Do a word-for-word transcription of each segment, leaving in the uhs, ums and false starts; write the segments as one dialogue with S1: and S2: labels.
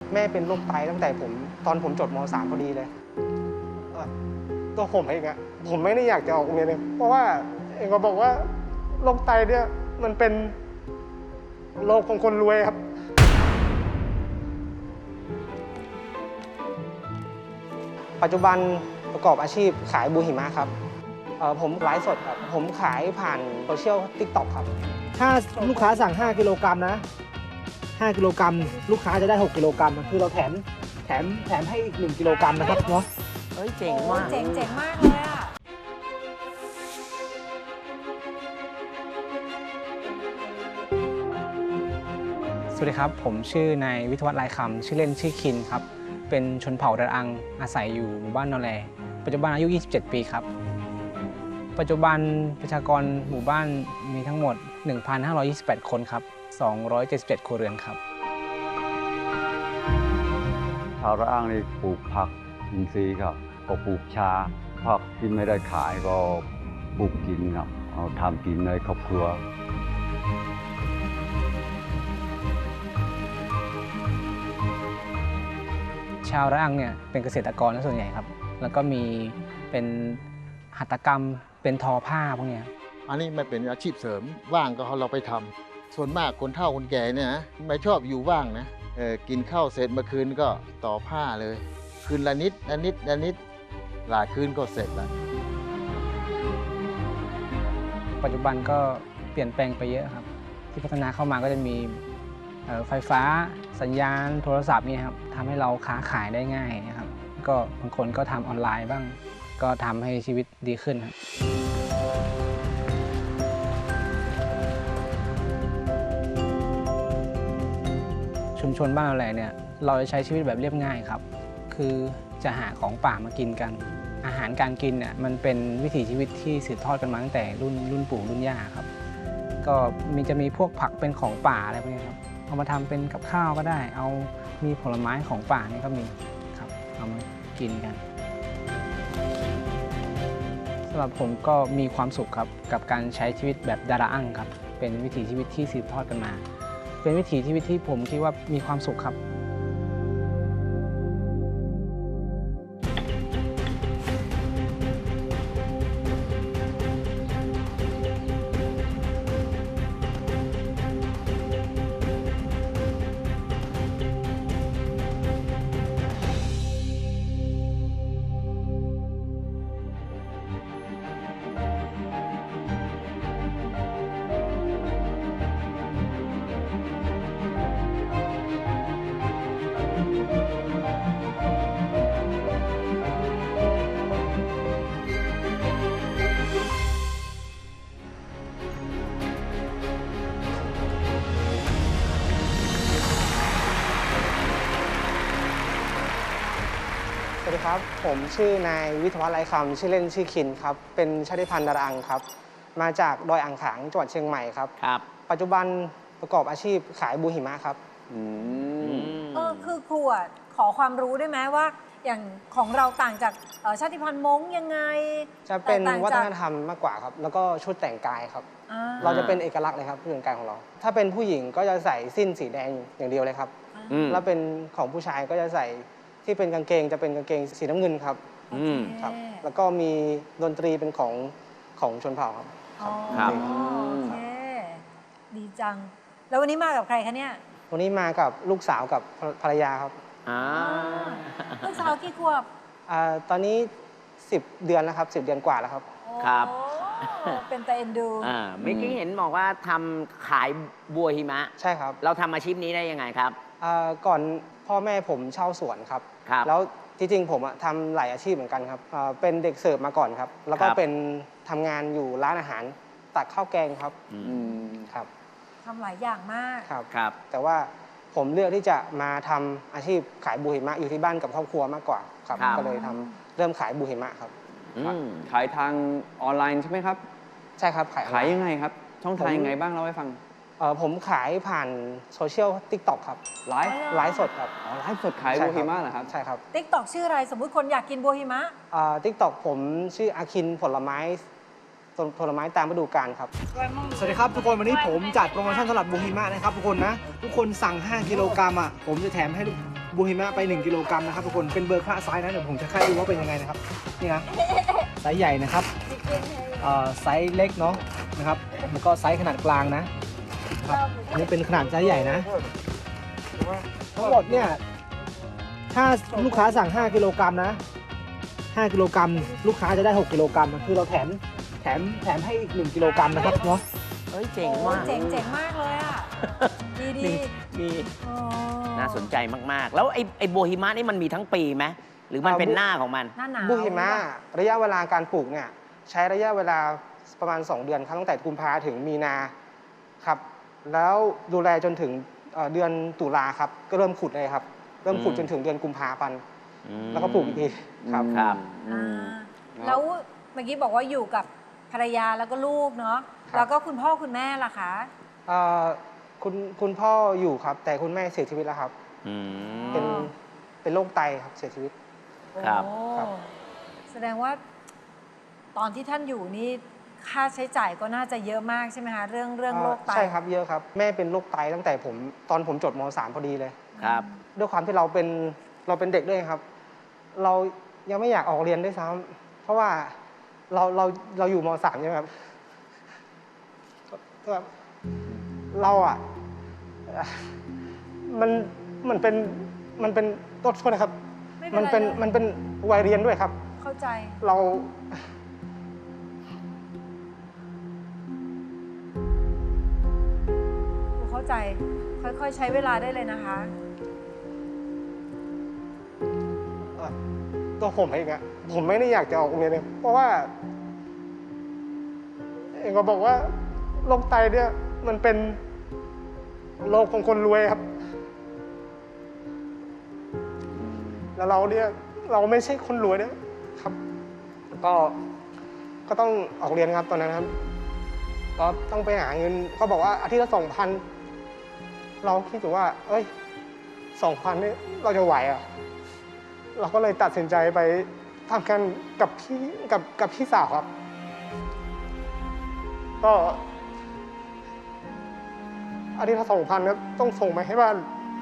S1: แม่เป็นโรคไตตั้งแต่ผมตอนผมจบม สาม พอดีเลยตัวผมเองอะผมไม่ได้อยากจะออกโรงเรียนเลยเพราะว่าเองก็บอกว่าโรคไตเนี่ยมันเป็นโรคของคนรวยครับปัจจุบันประกอบอาชีพขายบูหิมะครับผมไลฟ์สดครับผมขายผ่านโซเชียล ติ๊กต็อก ครับถ้าลูกค้าสั่งห้ากิโลกรัมนะห้ากิโลกรัมลูกค้าจะได้หกกิโลกรัมคือเราแถมแถมแถมให้อีกหนึ่งกิโลกรัมนะครับเนาะ
S2: เฮ้ยเจ๋งมาก
S3: เจ๋งเจ๋งมากเลยอ่ะ
S1: สวัสดีครับผมชื่อนายวิทยวัฒน์ลายคำชื่อเล่นชื่อคินครับเป็นชนเผ่าดารังอาศัยอยู่หมู่บ้านนอแลปัจจุบันอายุยี่สิบเจ็ดปีครับปัจจุบันประชากรหมู่บ้านมีทั้งหมด หนึ่งพันห้าร้อยยี่สิบแปด คนครับสองร้อยเจ็ดสิบเจ็ดครัวเรือนครับ
S4: ชาวระอ้างนี่ปลูกผักอินทรีย์ครับก็ปลูกชาผักที่ไม่ได้ขายก็ปลูกกินครับเอาทำกินในครอบครัว
S1: ชาวระอ้างเนี่ยเป็นเกษตรกรส่วนใหญ่ครับแล้วก็มีเป็นหัตถกรรมเป็นทอผ้าพวกนี้
S5: อันนี้ไม่เป็นอาชีพเสริมว่างก็เราไปทำส่วนมากคนเฒ่าคนแก่เนี่ยนะไม่ชอบอยู่ว่างนะเออกินข้าวเสร็จเมื่อคืนก็ต่อผ้าเลยคืนละนิดละนิดละนิดหลายคืนก็เสร็จแล้ว
S1: ปัจจุบันก็เปลี่ยนแปลงไปเยอะครับที่พัฒนาเข้ามาก็จะมีไฟฟ้าสัญญาณโทรศัพท์นี่ครับทำให้เราค้าขายได้ง่ายนะครับก็บางคนก็ทำออนไลน์บ้างก็ทำให้ชีวิตดีขึ้นครับชุมชนบ้านเราแหละเนี่ยเราจะใช้ชีวิตแบบเรียบง่ายครับคือจะหาของป่ามากินกันอาหารการกินเนี่ยมันเป็นวิถีชีวิตที่สืบทอดกันมาตั้งแต่รุ่นรุ่นปู่รุ่นย่าครับก็มีจะมีพวกผักเป็นของป่าอะไรพวกนี้ครับเอามาทำเป็นกับข้าวก็ได้เอามีผลไม้ของป่านี่ก็มีครับเอามากินกันสำหรับผมก็มีความสุขครับกับการใช้ชีวิตแบบดาราอั่งครับเป็นวิถีชีวิตที่สืบทอดกันมาเป็นวิถีชีวิตที่ผมคิดว่ามีความสุขครับสวัสดีครับผมชื่อนายวิทยวัฒน์ลายคำชื่อเล่นชื่อคินครับเป็นชาติพันธุ์ดารังครับมาจากดอยอ่างขางจังหวัดเชียงใหม่ครับ
S2: ครับ
S1: ปัจจุบันประกอบอาชีพขายบูหิมะครับ
S3: เออคือครูอ่ะขอความรู้ได้ไหมว่าอย่างของเราต่างจากชาติพันธุ์ม้งยังไง
S1: จะเป็นวัฒนธรรมมากกว่าครับแล้วก็ชุดแต่งกายครับเราจะเป็นเอกลักษณ์เลยครับชุดแต่งกายของเราถ้าเป็นผู้หญิงก็จะใส่สิ้นสีแดงอย่างเดียวเลยครับแล้วเป็นของผู้ชายก็จะใส่ที่เป็นกางเกงจะเป็นกางเกงสีน้ำเงินครับครับแล้วก็มีดนตรีเป็นของของชนเผ่าครับ
S3: ครับโอเคดีจังแล้ววันนี้มากับใครคะเนี่ย
S1: วันนี้มากับลูกสาวกับภรรยาครับ
S3: ลูกสาวกี่ขวบ
S1: ตอนนี้สิบเดือนแล้วครับสิบเดือนกว่าแล้วครับ
S2: ครับ
S3: เป็นแต่เอ็นดู
S2: เมื่อกี้เห็นบอกว่าทำขายบัวหิมะ
S1: ใช่ครับ
S2: เราทำอาชีพนี้ได้ยังไงครับ
S1: ก่อนพ่อแม่ผมเช่าสวนครับแล้วที่จริงผมทำหลายอาชีพเหมือนกันครับเป็นเด็กเสิร์ฟมาก่อนครับแล้วก็เป็นทำงานอยู่ร้านอาหารตักข้าวแกงครับครับ
S3: ทำหลายอย่างมาก
S1: ครับครับแต่ว่าผมเลือกที่จะมาทำอาชีพขายบูหิมะอยู่ที่บ้านกับครอบครัวมากกว่าครับก็เลยทำเริ่มขายบูหิมะครับ
S6: ขายทางออนไลน์ใช่ไหมครับ
S1: ใช่ครับขาย
S6: ขายยังไงครับช่องทางยังไงบ้างเล่าให้ฟัง
S1: ผมขายผ่านโซเชียล ติ๊กต็อก ครับ
S6: ไลฟ์
S1: ไลฟ์สดครับ
S6: อ๋อไลฟ์สดขายบัวหิมะเหรอครับ
S1: ใช่ครับ
S3: ติ๊กต็อก ชื่ออะไรสมมุติคนอยากกินบัวหิมะ
S1: ติ๊กต็อกผมชื่ออาคินผลไม้ผลไม้ตามฤดูกาลครับสวัสดีครับทุกคนวันนี้ผมจัดโปรโมชั่นสำหรับบูหิมะนะครับทุกคนนะทุกคนสั่งห้ากิโลกรัมอ่ะผมจะแถมให้บูฮิมะไปหนึ่งกิโลกรัมนะครับทุกคนเป็นเบอร์ค่าไซส์นะเดี๋ยวผมจะค่ายดูว่าเป็นยังไงนะครับนี่นะไซส์ใหญ่นะครับเอ่อไซส์เล็กเนาะนะครับแล้วก็ไซส์ขนาดกลางนะครับอันนี้เป็นขนาดไซส์ใหญ่นะทั้งหมดเนี่ยถ้าลูกค้าสั่งห้ากิโลกรัมนะห้ากิโลกรัมลูกค้าจะได้หกกิโลกรัมคือเราแถมแถมแถมให้อีกหนึ่งกิโลกรัมนะครับเนาะ
S2: เฮ้ยเจ๋ง
S3: โอ้
S2: มาก
S3: เจ๋งเจ๋งมากเลยอ่ะ ดีดี
S2: มี
S3: อ๋อ
S2: น่าสนใจมาก ๆ แล้วไอ้ไอ้โบฮิมะนี่มันมีทั้งปีไหมหรือมันเป็นหน้าของมัน
S3: หน้าหนาว
S1: บูหิมะระยะเวลาการปลูกเนี่ยใช้ระยะเวลาประมาณ สอง เดือนครับตั้งแต่กุมภาถึงมีนาครับแล้วดูแลจนถึงเอ่อเดือนตุลาครับก็เริ่มขุดเลยครับเริ่มขุด
S2: อืม
S1: จนถึงเดือนกุมภาพันธ์
S2: อืม
S1: แล้วก็ปลูกอีกทีครับ
S2: ครับ
S3: อ่า
S2: อืม
S3: แล้วเมื่อกี้บอกว่าอยู่กับภรรยาแล้วก็ลูกเนาะ
S1: ครับ
S3: แล้วก็คุณพ่อคุณแม่ล่ะคะ
S1: เอ่อคุณคุณพ่ออยู่ครับ แต่คุณแม่เสียชีวิตแล้วครับ
S2: อืม
S1: เป็นเป็นโรคไตครับเสียชีวิต
S2: ครับ
S3: โอ้
S1: ครับ
S3: แสดงว่าตอนที่ท่านอยู่นี่ค่าใช้จ่ายก็น่าจะเยอะมากใช่ไหมคะเรื่องเรื่องโรคไต
S1: ใช่ครับเยอะครับแม่เป็นโรคไตตั้งแต่ผมตอนผมจบม สาม พอดีเลย
S2: ครับ
S1: ด้วยความที่เราเป็นเราเป็นเด็กด้วยครับ เรายังไม่อยากออกเรียนด้วยซ้ำเพราะว่าเราเราเราอยู่ม สามใช่ไหมครับก็แบบเราอ่ะมันมันเป็นมันเป็นโทษโทษนะครับ
S3: ไม่
S1: มัน
S3: เป็น
S1: เป็น
S3: ไรเลย
S1: มันเป็นวัยเรียนด้วยครับ
S3: เข้าใจ
S1: เรา
S3: เข้าใจ ค่อยๆ ใช้เวลาได้เลยนะคะ
S1: เอ่อตัวผมเองอะผมไม่ได้อยากจะออกโรงเรียนเลยเพราะว่า เองก็บอกว่าโรคไตเนี่ย มันเป็นโรคของคนรวยครับ แล้วเราเนี่ย เราไม่ใช่คนรวยนะครับ ก็ก็ต้องออกเรียนครับตอนนั้นครับ ก็ต้องไปหาเงินก็บอกว่าอาทิตย์ละสองพันเราคิดถึงว่า เอ้ยสองพันนี่เราจะไหวเหรอ่ะ เราก็เลยตัดสินใจไปทำกันกับพี่กับกับพี่สาวครับ ก็อาทิตย์ละสองพันครับต้องส่งมาให้บ้าน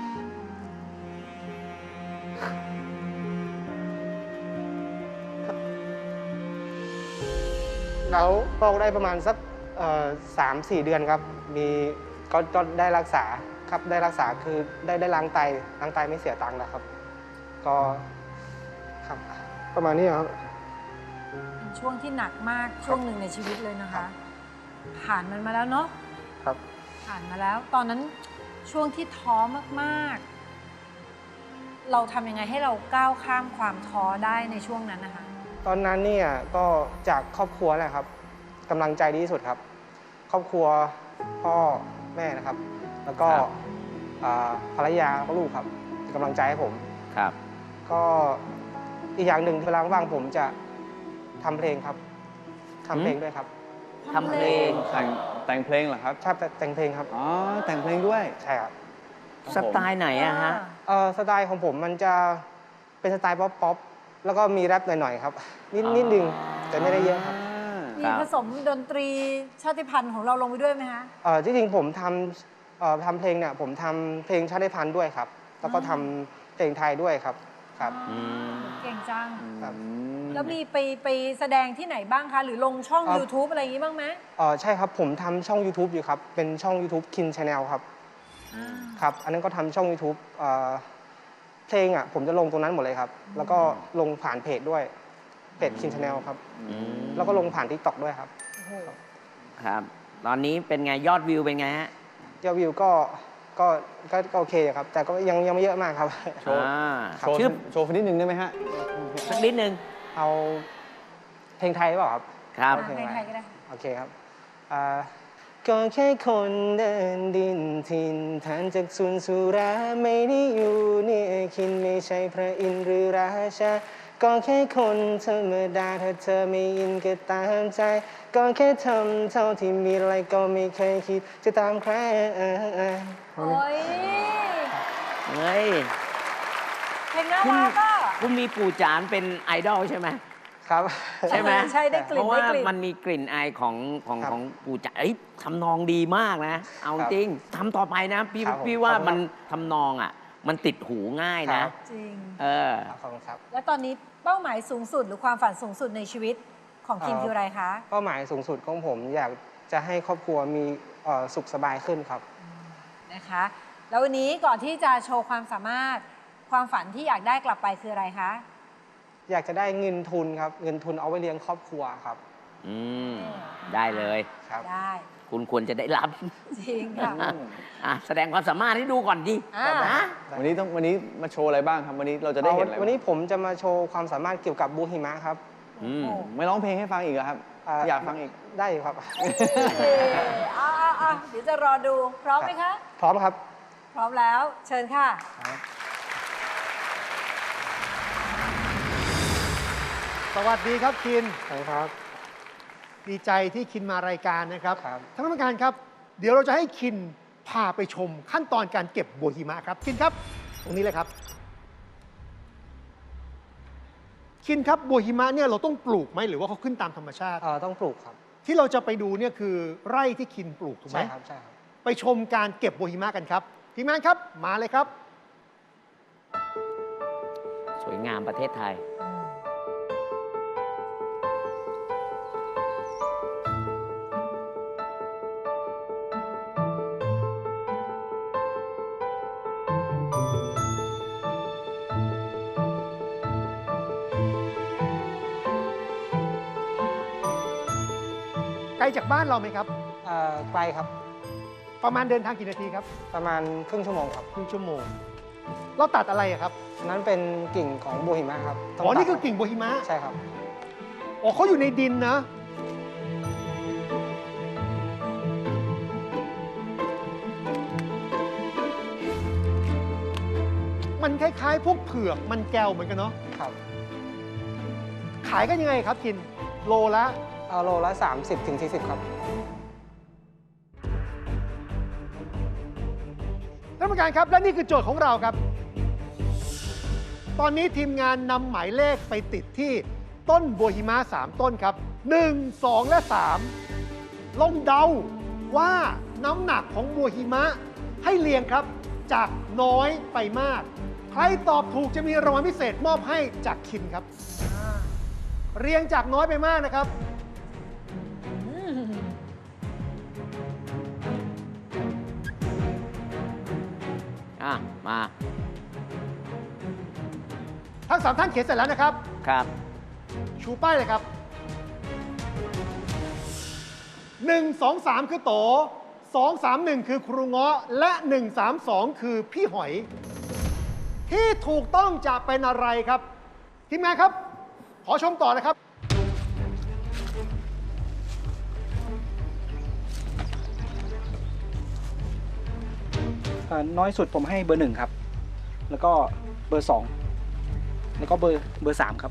S1: แล้วพอกได้ประมาณสักสามสี่เดือนครับ มีก็ก็ได้รักษาครับได้รักษาคือได้ได้ล้างไตล้างไตไม่เสียตังค์นะครับ ก็ครับประมาณนี้ครับ
S3: เป็นช่วงที่หนักมากช่วงหนึ่งในชีวิตเลยนะคะ ผ่านมันมาแล้วเนาะ
S1: ครับ
S3: ผ่านมาแล้ว ตอนนั้นช่วงที่ท้อมากๆ เราทำยังไงให้เราก้าวข้ามความท้อได้ในช่วงนั้นนะคะ
S1: ตอนนั้นเนี่ยก็จากครอบครัวแหละครับกำลังใจดีที่สุดครับ ครอบครัวพ่อแม่นะครับ แล้วก็
S2: ครับ
S1: อ่าภรรยาก็ลูกครับเป็นกำลังใจให้ผม
S2: ครับ
S1: ก็อีกอย่างหนึ่งเวลาว่างผมจะทำเพลงครับทำเพลงด้วยครับ
S2: ทำเพลง
S6: แต่งแต่งเพลงเหรอครับ
S1: ชอบแต่งเพลงครับ
S6: อ๋อ แต่งเพลงด้วย
S1: ใช่ครับ
S2: สไตล์ไหนอะฮะ
S1: เอ่อสไตล์ของผมมันจะเป็นสไตล์ป๊อปป๊อปแล้วก็มีแรปหน่อยๆครับนิดนิดนึงแต่ไม่ได้เยอะครับ
S3: มี
S2: ครับ
S3: ผสมดนตรีชาติพันธุ์ของเราลงไปด้วยไหมคะ
S1: เอ่อที่จริงผมทำเอ่อทำเพลงเนี่ยผมทำเพลงชาติพันธุ์ด้วยครับ แล้วก็ทำเพลงไทยด้วยครับครับ
S2: อืม
S3: เก่งจัง
S1: ครับ
S3: แล้วมีไปไปแสดงที่ไหนบ้างคะ หรือลงช่อง
S1: ครับ
S3: YouTube อะไรอย่างนี้บ้างไหม
S1: เอ่อใช่ครับผมทำช่อง YouTube อยู่ครับ เป็นช่อง YouTube Kin Channel ครับ
S3: อ่า
S1: ครับ อันนั้นก็ทำช่อง YouTube เอ่อเพลงอ่ะผมจะลงตรงนั้นหมดเลยครับ แล้วก็ลงผ่านเพจด้วยเพจ Kin Channel ครับ
S2: อืม
S1: แล้วก็ลงผ่าน TikTok ด้วยครับ
S3: โอ้โห
S2: ครับ ตอนนี้เป็นไงยอดวิวเป็นไงฮะ
S1: ยอดวิวก็ก็ก็ก็โอเคครับ แต่ก็ยังยังไม่เยอะมากครับ
S6: โชว์
S2: อ่า
S6: โชว์
S2: ชื่อ
S6: โชว์นิดนึงได้ไหมฮะ
S2: สักนิดนึง
S1: เอาเพลงไทยหรือเปล่าครับ
S2: ครับ
S3: อ่ะเพลงไทยก็ได้
S1: โอเคครับอ่าก็แค่คนเดินดินถิ่นฐานจากสุนสุราไม่ได้อยู่นี่คินไม่ใช่พระอินทร์หรือราชา ก็แค่คนธรรมดาถ้าเธอไม่อินก็ตามใจ ก็แค่ทำเท่าที่มีอะไรก็ไม่เคยคิดจะตามใคร
S3: โอ้ย
S2: เฮ้ย
S3: เพลงน่ารักอ่ะ
S2: คุณมีปู่จานเป็นไอดอลใช่ไหม
S1: ครับ
S2: ใช่ไหม
S3: ใช่ได้ก
S2: เพ
S3: ลิ่น
S2: ราะว่า
S3: ได้กลิ่น
S2: มันมีกลิ่นอายของของ
S1: ครับ
S2: ของปู่จานเอ้ยทำนองดีมากนะ เอา
S1: ครับ
S2: จริงทำต่อไปนะ พี่
S1: ครับผม
S2: พี่ว่า
S1: ขอบคุณ
S2: มัน
S1: ครับ
S2: ทำนองอ่ะมันติดหูง่าย
S1: ค
S2: นะ
S1: รับ
S3: จริง
S2: เออ
S1: ขอบคุณครับ
S3: แล้วตอนนี้เป้าหมายสูงสุดหรือความฝันสูงสุดในชีวิตของคิม
S1: เอ่อ
S3: คืออะไรคะ
S1: เป้าหมายสูงสุดของผมอยากจะให้ครอบครัวมีเอ่อสุขสบายขึ้นครับ
S3: นะคะ แล้ววันนี้ก่อนที่จะโชว์ความสามารถความฝันที่อยากได้กลับไปคืออะไรคะ
S1: อยากจะได้เงินทุนครับ เงินทุนเอาไว้เลี้ยงครอบครัวครับ
S2: อืม ได้เลย
S1: ครับ
S3: ได้
S2: คุณควรจะได้รับ
S3: จริงค่ะ
S2: อ่ะแสดงความสามารถให้ดูก่อนดิ
S3: อ่า
S2: นะ
S6: วันนี้ต้องวันนี้มาโชว์อะไรบ้างครับ วันนี้เราจะได้เห็นอะไร
S1: วันนี้ผมจะมาโชว์ความสามารถเกี่ยวกับบูหิมะครับ
S2: อืม
S3: โอ้
S6: ไม่ร้องเพลงให้ฟังอีกเหรอครับ
S1: า
S6: อยากฟังอีก
S1: ได้อยู่ครับ
S3: อ่าอ่าอ่าเดี๋ยวจะรอดู พร้อมไหมคะ
S1: พร้อมครับ
S3: พร้อมแล้ว เชิญค่ะ
S7: สวัสดีครับคิน
S1: ครับ
S7: ดีใจที่คินมารายการนะครับ
S1: ครับ
S7: ท่านผู้การครับ เดี๋ยวเราจะให้คินพาไปชมขั้นตอนการเก็บบัวหิมะครับคินครับ ตรงนี้เลยครับ คินครับบัวหิมะเนี่ยเราต้องปลูกไหมหรือว่าเขาขึ้นตามธรรมชาติ
S1: เอ่อต้องปลูกครับ
S7: ที่เราจะไปดูเนี่ยคือไร่ที่คินปลูกถูกไหม
S1: ใช่ครับ ใช่ครับ
S7: ไปชมการเก็บบัวหิมะกันครับทีมงานครับมาเลยครับ
S2: สวยงามประเทศไทย
S7: ไกลจากบ้านเราไหมครับ
S1: เอ่อไกลครับ
S7: ประมาณเดินทางกี่นาทีครับ
S1: ประมาณครึ่งชั่วโมงครับ
S7: ครึ่งชั่วโมง เราตัดอะไรอะครับ
S1: นั้นเป็นกิ่งของบูหิมะครับต้ง
S7: อ๋อ นี่
S1: ตัด
S7: คือกิ่งบัวหิมะ
S1: ใช่ครับ
S7: อ๋อเขาอยู่ในดินนะ มันคล้ายๆ พวกเผือก มันแก้วเหมือนกันเนาะ
S1: ครับ
S7: ขายกันยังไงครับกิน โลละ
S1: เอาโลละสามสิบถึงสี่สิบครับ
S7: ท่านผู้การครับ และนี่คือโจทย์ของเราครับ ตอนนี้ทีมงานนำหมายเลขไปติดที่ต้นบัวหิมะสามต้นครับ หนึ่ง สอง และ สาม ลองเดาว่าน้ำหนักของบัวหิมะให้เรียงครับ จากน้อยไปมาก ใครตอบถูกจะมีรางวัลพิเศษมอบให้จากคินครับ เรียงจากน้อยไปมากนะครับ
S2: อ่ะ มา
S7: ทั้งสามท่านเขียนเสร็จแล้วนะครับ
S2: ครับ
S7: ชูป้ายเลยครับ หนึ่ง สอง สาม คือโต สอง สาม หนึ่ง คือครูเงาะ และ หนึ่ง สาม สอง คือพี่หอย ที่ถูกต้องจะเป็นอะไรครับ ทีมงานครับ ขอชมต่อนะครับ
S1: เอ่อน้อยสุดผมให้เบอร์หนึ่งครับ แล้วก็เบอร์สองแล้วก็เบอร์เบอร์สามครับ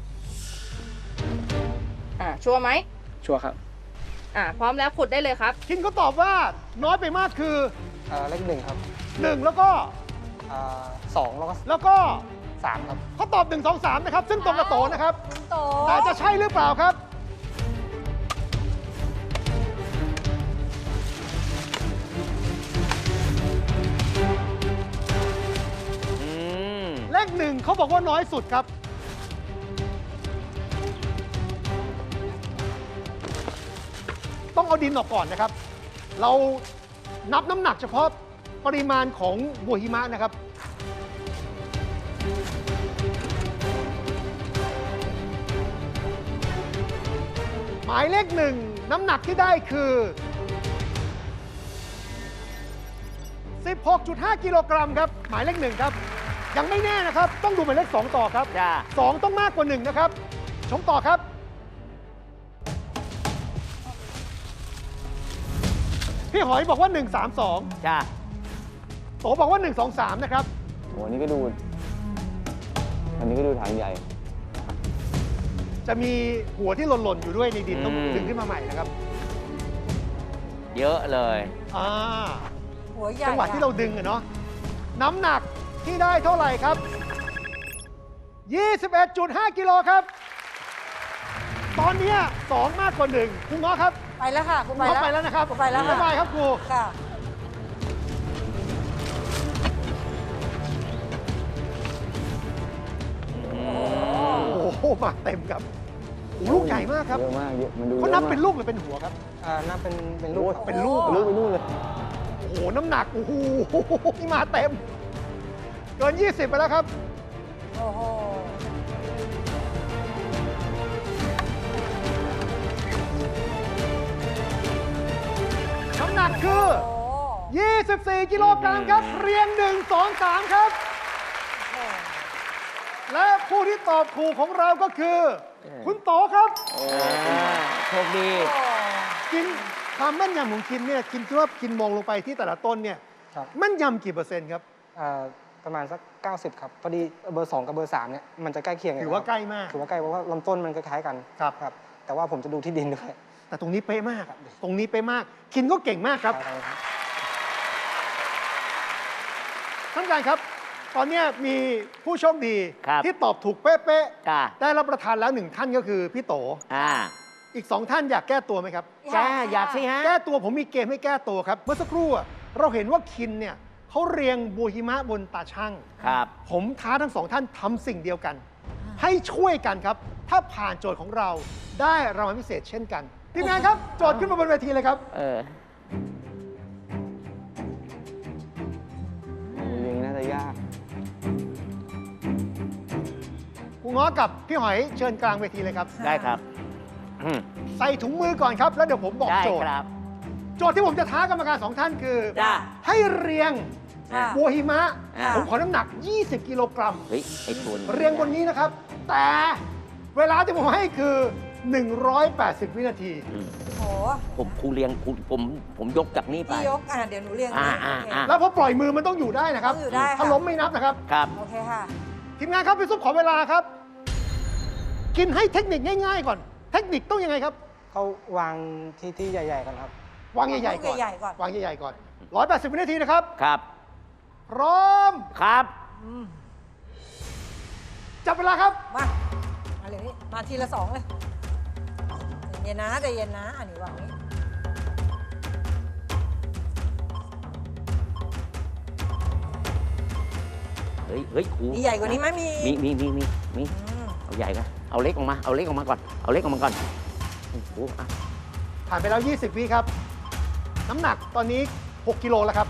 S8: อ่าชัวร์ไหม
S1: ชัวร์ครับ
S8: อ่าพร้อมแล้วขุดได้เลยครับ
S7: คินก็ตอบว่าน้อยไปมากคือ
S1: เอ่อเลขหนึ่งครับ
S7: หนึ่ง แล้วก็
S1: เอ่อสองแล้วก็
S7: แล้วก็
S1: สามครับ
S7: เขาตอบหนึ่ง สอง สาม นะครับ ซึ่งตรงกับโตนะครับ
S3: โต
S7: แต่จะใช่หรือเปล่าครับ
S2: อืม
S7: เลขหนึ่งเขาบอกว่าน้อยสุดครับ ต้องเอาดินออกก่อนนะครับ เรานับน้ำหนักเฉพาะปริมาณของบัวหิมะนะครับ หมายเลขหนึ่งน้ำหนักที่ได้คือ สิบหกจุดห้า กิโลกรัมครับ หมายเลขหนึ่งครับ ยังไม่แน่นะครับ ต้องดูหมายเลขสองต่อครับ
S2: จ้า
S7: สองต้องมากกว่าหนึ่งนะครับ ชมต่อครับ พี่หอยบอกว่าหนึ่ง สาม สอง
S2: จ้า
S7: โตบอกว่าหนึ่ง สอง สามนะครับ
S6: โอ้อันนี้ก็ดู อันนี้ก็ดูถังใหญ่
S7: จะมีหัวที่หล่นๆอยู่ด้วยในดินต้อง
S2: อืม
S7: ดึงขึ้นมาใหม่นะครับ
S2: เยอะเลย
S7: อ่า
S3: หัวใหญ่
S7: จังหวะที่เราดึงอะเนาะ น้ำหนักที่ได้เท่าไหร่ครับ ยี่สิบเอ็ดจุดห้า กิโลครับ ตอนเนี้ยสองมากกว่าหนึ่งครูง้อครับ
S3: ไปแล้วค่ะคุณ
S7: ค
S3: ไป
S7: รูง้อ
S3: แล้ว
S7: ไปแล้วนะครับ
S3: ผมไปแล้วค่ะ
S7: บ๊ายบายครับครู
S3: ค่ะ
S7: มาเต็มครับโอ้โหลูกใหญ่มากครับ
S6: เยอะมากเยอะมันดู
S7: เขานับ
S6: ยอะมก
S7: เป็นลูกหรือเป็นหัวครับ
S1: อ่านับเป็นเป็นลู
S6: โอ้
S1: ก
S6: ย
S1: ครับ
S7: เป็นลูก
S6: ลูกไปนู่นเลย
S7: โอ้โห น้ำหนัก โอ้โห นี่มาเต็ม เกิน ยี่สิบ ไปแล้วครับ
S3: โอ้โห
S7: น้ำหนักคือ
S3: โอ้โห
S7: ยี่สิบสี่ กิโลกรัมครับ เรียง หนึ่ง สอง สาม ครับ และผู้ที่ตอบถูกของเราก็คือ คุณโตครับ
S2: อ่าโชคดี
S7: กินความแม่นยำของคินเนี่ยคินคิดว่าคินมองลงไปที่แต่ละต้นเนี่ย
S1: ครับ
S7: แม่นยำกี่เปอร์เซ็นต์ครับ
S1: อ่าประมาณสัก เก้าสิบ ครับ พอดีเบอร์ สอง กับเบอร์ สาม เนี่ยมันจะใกล้เคียงกัน
S7: ถือว่า
S1: ครับ
S7: ใกล้มาก
S1: ถือว่าใกล้เพราะว่าลำต้นมันคล้ายๆกัน
S7: ครับ
S1: ครับ แต่ว่าผมจะดูที่ดินด้วย
S7: แต่ตรงนี้เป๊ะมาก ตรงนี้เป๊ะมาก คินก็เก่งมากครับ
S1: ครับ
S7: ท่านผู้การครับ ตอนเนี้ยมีผู้โชคดี
S2: ครับ
S7: ที่ตอบถูกเป๊ะ
S2: จ้า
S7: ๆ ได้รับประทานแล้วหนึ่งท่านก็คือพี่โต
S2: อ่า
S7: อีกสองท่านอยากแก้ตัวไหมครับ
S2: จ้าอยากสิฮะ
S7: แก้ตัวผมมีเกมให้แก้ตัวครับ เมื่อสักครู่อะเราเห็นว่าคินเนี่ยเขาเรียงบัวหิมะบนตาช่าง
S2: ครับ
S7: ผมท้าทั้งสองท่านทำสิ่งเดียวกัน ให้ช่วยกันครับ ถ้าผ่านโจทย์ของเราได้รางวัลพิเศษเช่นกันทีมงานครับ โจทย์ขึ้นมาบนเวทีเลยครับ
S2: เออ
S6: เรียงน่าจะยาก
S7: ครูง้อกับพี่หอยเชิญกลางเวทีเลยครับ
S2: ได้ครับอืม
S7: ใส่ถุงมือก่อนครับ แล้วเดี๋ยวผมบอก
S2: ได้
S7: โจทย์
S2: ครับ
S7: โจทย์ที่ผมจะท้ากรรมการสองท่านคือ
S2: จ้า
S7: ให้เรียง
S3: ค่ะ
S7: บัวหิมะ
S2: อ่า
S7: ผมขอน้ำหนัก ยี่สิบ กิโลกรัม
S2: เฮ้ย ไอ้ทุน
S7: เรียงบนนี้นะครับ แต่เวลาที่ผมให้คือ หนึ่งร้อยแปดสิบ วินาที
S2: อืม
S3: โห
S2: ผมครูเรียงครูผมผมยกจากนี่ไป
S3: พี่ยก อ่ะ เดี๋ยวหนูเรียง
S2: อ่า
S3: ให้
S2: อ่า
S3: โอเค
S2: อ่า
S7: แล้วพอปล่อยมือมันต้องอยู่ได้นะครับ
S3: ต้องอยู่ได้ค่ะ
S7: ถ้าล้มไม่นับนะครับ
S2: ครับ
S3: โอเคค่ะ
S7: ทีมงานครับพี่ซุปขอเวลาครับ กินให้เทคนิคง่ายๆก่อน เทคนิคต้องยังไงครับ
S1: เขาวางที่ที่ใหญ่ๆกันครับ
S7: วางใหญ่ๆก่อน
S3: ใหญ่ๆก่อน
S7: วางใหญ่ๆก่อน ร้อยแปดสิบ วินาทีนะครับ
S2: ครับ
S7: พร้อม
S2: ครับ
S3: อืม
S7: จับเวลาครับ
S3: มา มาเลยนี่มาทีละสองเลยใจเย็นนะใจเย็นนะ อันนี้วางนี้
S2: เฮ้ย เฮ้ยครู
S3: มีใหญ่กว่านี้ไหมมี
S2: มีมีมีมีมี
S3: อืม
S2: เอาใหญ่กันเอาเล็กออกมา เอาเล็กออกมาก่อน เอาเล็กออกมาก่อนโอ้โหอ่ะ
S7: ผ่านไปแล้ว ยี่สิบ วิครับ น้ำหนักตอนนี้ หก กิโลแล้วครับ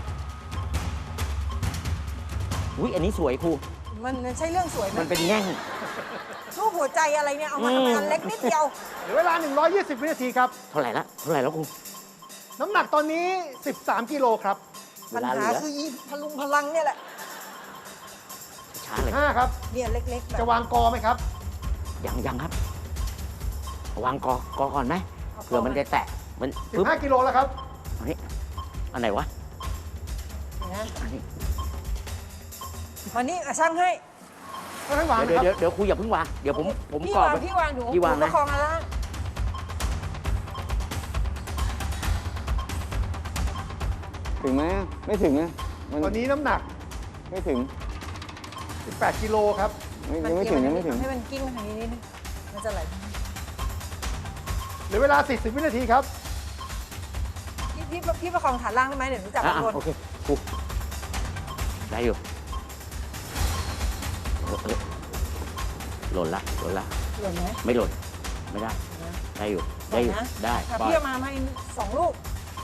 S2: อุ้ยอันนี้สวยครู
S3: มันใช่เรื่องสวยไหม
S2: มันเป็นแง่ง
S3: รูปหัวใจอะไรเนี่ย เอามา
S2: อืม
S3: ทำอันเล็กนิดเดียว
S7: เหลือเวลา หนึ่งร้อยยี่สิบ วินาทีครับ
S2: เท่าไหร่ละ เท่าไหร่แล้วครู
S7: น้ำหนักตอนนี้ สิบสาม กิโลครับ
S2: เว
S3: ปัญ
S2: ลาเหลื
S3: หา
S2: อ
S3: คืออีพลุงพลังเนี่ยแหละ
S2: ช้าเลย
S7: ห้าครับ
S3: เนี่ยเล็กๆแบบ
S7: จะวางกอไหมครับ
S2: ยังยังครับเอาวางกอกอก่อนไหมเผื่อมันจะแตะ มันปึ๊บ
S7: สิบห้า กิโลแล้วครับ
S2: อันนี้อันไหนวะ
S3: นะ
S2: อันนี้
S3: วันนี้อ่ะช่างให้
S7: ค่อยๆวาง
S2: เดี๋ยว
S7: นะค
S2: เดี๋
S7: รั
S2: ยว
S7: บ
S2: เดี๋ยวครูอย่าเพิ่งวาง เดี๋ยวผมผม
S3: พี่
S2: กรอบ
S3: วาง
S2: ไว้
S3: พี่วางหนู
S2: พี่วาง
S3: หนูป
S2: นะ
S3: ระคองอะไร
S6: ถึงไหมไม่ถึงนะมัน
S7: ตอนนี้น้ำหนัก
S6: ไม่ถึง
S7: สิบแปด กิโลครับ
S6: ไม่ยังไม่ถึงยังไม่ถึง
S3: ให้มันกิ้งมาทางนี้นิดนึงมันจะไหล
S7: เหลือเวลา สี่สิบ วินาทีครับ
S3: พี่พี่พี่ประคองฐานล่างได้ไหมเดี๋ยวหนูจับ
S2: อ่ะ
S3: ข้างบน
S2: โอเคครูได้อยู่เออเออหล่นละหล่นละ
S3: หล่นไหม
S2: ไม่หล่น ไม่ได้ ได้อยู่ ได้อยู่
S3: นะ
S2: ได้
S3: อ่ะ
S2: ปล่อย
S3: พี่เอามาให้สองลูก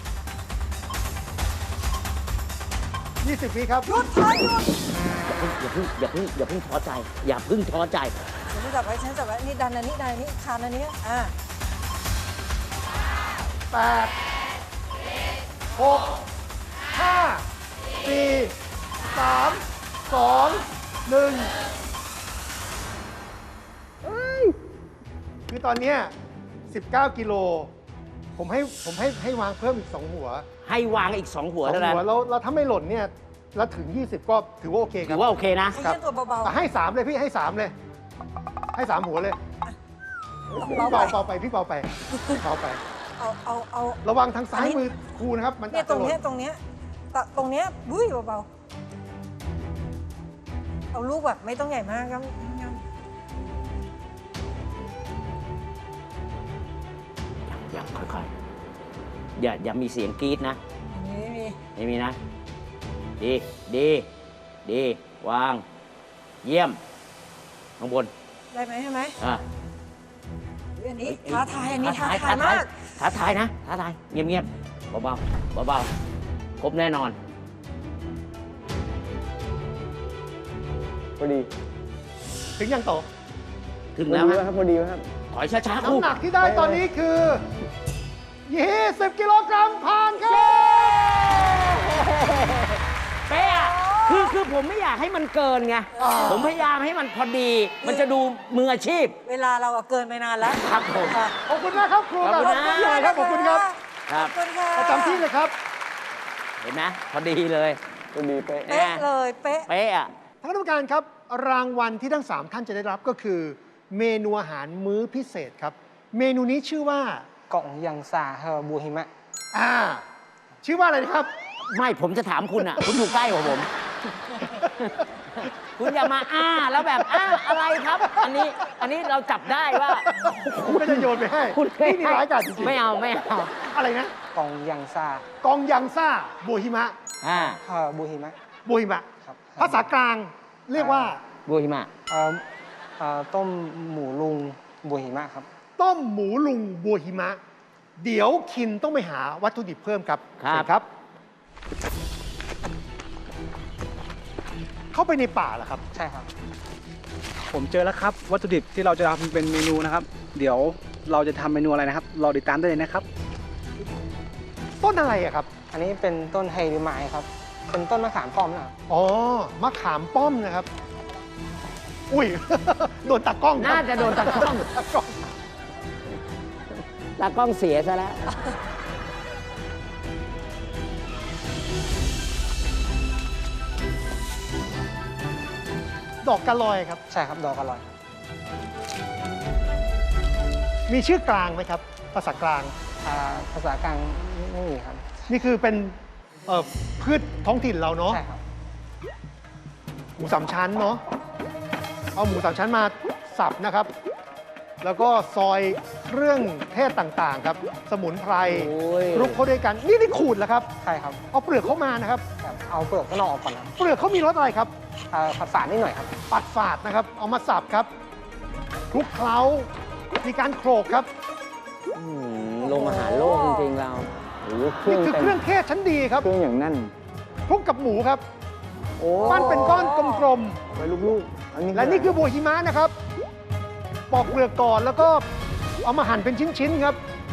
S7: ยี่สิบ วิครับ
S3: หยุดถอยหยุด
S2: อย่าเพิ่งอย่าเพิ่งอย่าเพิ่งท้อใจ อย่าเพิ่งท้อใจ
S3: เดี๋ยวหนูจับไว้ฉันจับไว้นี่ดันอันนี้ดันอันนี้คานอันนี้อ่า
S7: แปด หก ห้า สี่ สาม สอง หนึ่งคือตอนเนี้ยสิบเก้า กิโล ผมให้ผมให้ให้วางเพิ่มอีก สอง หัว
S2: ให้วางอีกสองหัว
S7: สอง
S2: เท่านั้น
S7: หัวแล้วแล้วถ้าไม่หล่นเนี่ยแล้วถึง ยี่สิบ ก็ถือว่าโอเคค
S2: ถื
S7: รับ
S2: อว่าโอเคนะ
S3: ให้
S7: ครับ
S3: เล่นตัวเบา
S7: แต่ให้สามเลยพี่ให้สามเลย ให้สามหัวเลย
S3: ๆ
S7: พี่
S3: เบา
S7: เบา
S3: ๆ
S7: เบาไปพี่เบาไปเบาไป
S3: เอาเอาเอา
S7: ระวังทางซ้าย
S3: อันนี้
S7: มือครูนะครับ มัน
S3: เนี่ย
S7: อาจ
S3: ตร
S7: จะ
S3: ง
S7: หล่น
S3: เนี้ยตรงเนี้ยตะตรงเนี้ยบุ้ยเบาๆเอาลูกแบบไม่ต้องใหญ่มากครับ
S2: อย่างค่อยๆ อย่าอย่ามีเสียงกรี๊ดนะ
S3: นี่มี
S2: ไม่มีนะ ดี ดี ดี วาง เยี่ยม ข้างบน
S3: ได้ไหมใช่ไหม
S2: อ่ะ
S3: อันนี้ท้าทายอันนี้ท้าทาย
S2: ท้าทาม
S3: าย ก
S2: ท้าทายนะท้าทายเงียบๆเบาๆเบาๆครบแน่นอน
S6: พอดี
S7: ถึงยังโต
S2: ถึง
S6: พอ
S2: แล้ว
S6: ดี
S2: ฮะ
S6: ครับพอดีครับ
S2: ถอยช้าๆครู
S7: น้ำหนักที่ได้ตอนนี้คือ ยี่สิบ กิโลกรัมผ่านครับ
S2: เป๊ะอะคือคือผมไม่อยากให้มันเกินไง ผมพยายามให้มันพอดี มันจะดูมืออาชีพ
S3: เวลาเราอะเกินไปนานแล้ว
S2: ครับผม
S3: ค่ะ
S7: ขอบคุณมากครับครู
S2: ขอบคุณ
S7: ครับ
S2: นะ
S7: พี่ใหญ่ครับขอบคุณครับ
S2: ครับ
S3: ขอบคุณค่ะ
S7: ประจำที่เลยครับ
S2: เห็นไหมพอดีเลย
S6: พอดีเป๊ะ
S3: เป๊ะเลยเป๊ะ
S2: เป๊ะอะ
S7: ท่านคณะกรรมการครับ รางวัลที่ทั้ง สาม ท่านจะได้รับก็คือ เมนูอาหารมื้อพิเศษครับ เมนูนี้ชื่อว่า
S1: กล่องยังซาเฮอร์บูฮิมะ
S7: อ่า ชื่อว่าอะไรนะครับ
S2: ไม่ผมจะถามคุณอ่ะ คุณอยู่ใกล้กว่าผม คุณอย่ามาอ้าแล้วแบบอ้าอะไรครับ อันนี้อันนี้เราจับได้ว่า
S7: ผมก็จะโยนไปให้
S2: คุณ
S7: นี่นี่ร้ายกาจจริงๆ
S2: ไม่เอาไม่เอา
S7: อะไรนะ
S1: กล่องยังซาก
S7: องยังซ่าโบฮิมะ
S2: อ่า
S1: เฮอร์บูฮิมะ
S7: โบฮิมะ
S1: ครับ
S7: ภาษากลางเรียกว่า
S2: บูฮิมะ
S1: เอ่อเอ่อต้มหมูลุงบูฮิมะครับ
S7: ต้มหมูลุงโบฮิมะ เดี๋ยวคินต้องไปหาวัตถุดิบเพิ่มครับ
S2: ครับ
S7: เชิญครับ เข้าไปในป่าเหรอครับ
S1: ใช่ครับ
S9: ผมเจอแล้วครับ วัตถุดิบที่เราจะทำเป็นเมนูนะครับ เดี๋ยวเราจะทำเมนูอะไรนะครับรอติดตามได้เลยนะครับ
S7: ต้นอะไรอะครับ
S1: อันนี้เป็นต้นไฮริไมครับ เป็นต้นมะขามป้อมนะครับ
S7: อ๋อ มะขามป้อมนะครับ อุ้ย โดนตากล้องครับ
S2: น่าจะโดนตากล้อง
S7: ตากล้อง
S2: ตากล้องเสียซะแล้ว
S7: ดอกกะลอยครับ
S1: ใช่ครับ ดอกอร่อย
S7: มีชื่อกลางไหมครับ ภาษากลาง
S1: อ่าภาษากลางไม่มีครับ
S7: นี่คือเป็นเอ่อพืชท้องถิ่นเราเนาะ
S1: ใช่ครับ
S7: หมูสามชั้นเนาะ เอาหมูสามชั้นมาสับนะครับ แล้วก็ซอยเครื่องเทศต่างๆครับ สมุนไพร
S2: โอ้ย
S7: คลุกเข้าด้วยกัน นี่นี่ขูดแล้วครับ
S1: ใช่ครับ
S7: เอาเปลือกเข้ามานะครับ
S1: ครับเอาเปลือกข้างนอกออกก่อนครับ
S7: เปลือกเขามีรสอะไรครับ
S1: อ่าผัดฝาดนิดหน่อยครับ
S7: ปัดฝาดนะครับ เอามาสับครับคลุกเคล้า มีการโขลกครับ
S2: อืมลงอาหารโลกจริงๆเรา
S6: โอ้โหเครื่
S7: นี่
S6: อง
S7: คือ
S6: เต็ม
S7: เครื่องเทศชั้นดีครับ
S6: เครื่องอย่างแน่น
S7: คลุกกับหมูครับ
S6: โอ้
S7: ปั้นเป็นก้อนกลม
S6: ไปลูกๆอันนี้
S7: ๆ และนี่คือโบฮิมะนะครับ ปอกเปลือกก่อนแล้วก็เอามาหั่นเป็นชิ้นๆครับ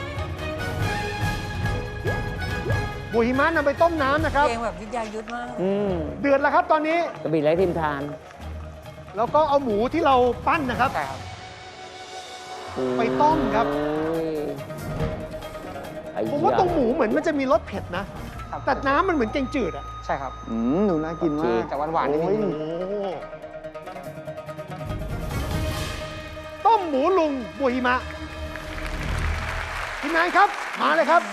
S7: โบฮิมะนำไปต้มน้ำนะครับ
S3: เพลงแบบวิทยายุทธมาก
S2: อืม
S7: เดือดแล้วครับตอนนี้
S2: กระบี่ไร้ทิมทาน
S7: แล้วก็เอาหมูที่เราปั้นนะครับ
S1: ใช่ครับ
S7: ไปต้มครับ
S2: โอ้ยไอ้
S7: ผมว่า
S2: เหี้ย
S7: ตรงหมูเหมือนมันจะมีรสเผ็ดนะ
S1: ครับ
S7: แต่น้ำมันเหมือนแกงจืดอะ
S1: ใช่ครับ
S6: อืมหนูน่ากินมาก
S1: แต่หวานๆนิดนึง
S6: โอ้ย
S7: โอ้ต้มหมูลุงโบฮิมะทีมงานครับ มาเลยครับ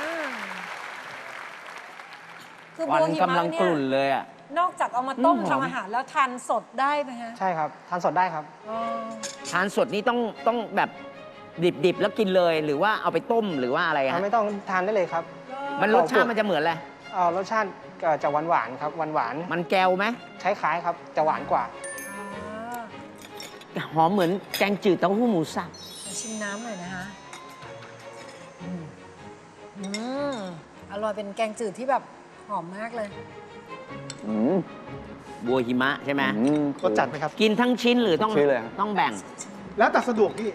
S3: คือโบ
S2: ควัน
S3: ฮิ
S2: กำ
S3: มะ
S2: ลัง
S3: เนี่
S2: ก
S3: ย
S2: ลุ่นเลยอ่ะ
S3: นอกจากเอามาต้ม
S2: อืมหอม
S3: ทำอาหารแล้วทานสดได้ไหมฮะ
S1: ใช่ครับ ทานสดได้ครับ
S3: อ๋อ
S2: ทานสดนี่ต้องต้องแบบดิบๆ แล้วกินเลยหรือว่าเอาไปต้มหรือว่าอะไร
S1: อ่า
S2: ฮะ
S1: ไม่ต้องทานได้เลยครับ
S2: มันรสชาติมันจะเหมือนอะไร
S1: เอ่อรสชาติก็จะหวานหวานๆครับ หวานหวาน
S2: มันแก้วไหม
S1: ๆคล้ายๆครับ จะหวานกว่า
S3: อ่า
S2: หอมเหมือนแกงจืดเต้าหู้หมูสับ
S3: ขอชิมน้ำหน่อยนะคะอืมอืมอร่อยเป็นแกงจืดที่แบบหอมมากเลย
S6: อืม
S2: บัวหิมะใช่ไหม
S6: อืม
S7: รสจัดไหมครับ
S2: กินทั้งชิ้นหรือต้อง
S6: ชิ้นเลยครับ
S2: ต้องแบ่ง
S7: แล้วแต่สะดวกพี่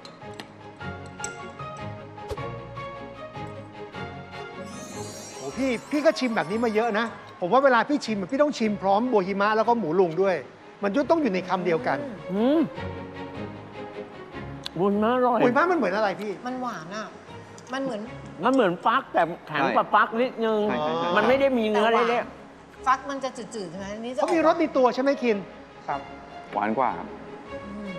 S7: โอ้พี่พี่ก็ชิมแบบนี้มาเยอะนะ ผมว่าเวลาพี่ชิมพี่ต้องชิมพร้อมโบฮิมะแล้วก็หมูลุงด้วย มันจะต้องอยู่ในคำเดียวกัน
S2: อืมบุญมากอร่อย
S7: โบฮิมะมันเหมือนอะไรพี่
S3: มันหวานอ่ะ มันเหมือน
S2: มันเหมือนฟักแต่แข็งกว่าฟักนิดนึง
S6: ใช่ใช่ใช่
S2: มันไม่ได้มีเนื้อ
S3: แต่หวาน
S2: เละ
S3: ฟักมันจะจืดๆใช่ไหมอันนี้จะ
S7: เขามีรสในตัวใช่ไหมคิน
S1: ครับ
S6: หวานกว่าครับ
S3: อืม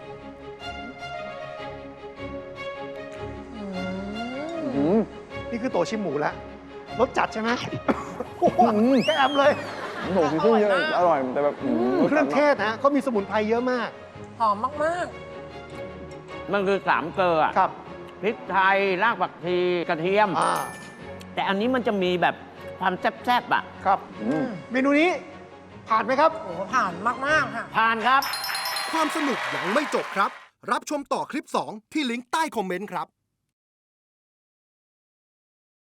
S3: อืม
S6: อืม
S7: นี่คือโตชิมหมูแล้ว รสจัดใช่ไหม โอ้โห
S6: อืม
S7: แกมเลย
S6: โอ้โหเครื่องเยอะอร่อยแต่แบบอืม
S7: เครื่องเทศนะเขามีสมุนไพรเยอะมาก
S3: หอมมาก
S2: ๆมันคือสามเกลืออะ
S7: ครับ
S2: พริกไทยรากผักชีกระเทียม
S7: อ่า
S2: แต่อันนี้มันจะมีแบบความแซ่บๆอ่ะ
S7: ครับ
S3: ๆอืม
S7: เมนูนี้ผ่านไหมครับ
S3: โอ้โหผ่านมากๆค่ะ
S2: ผ่านครับ
S10: ความสนุกยังไม่จบครับ รับชมต่อคลิปสองที่ลิงก์ใต้คอมเมนต์ครับ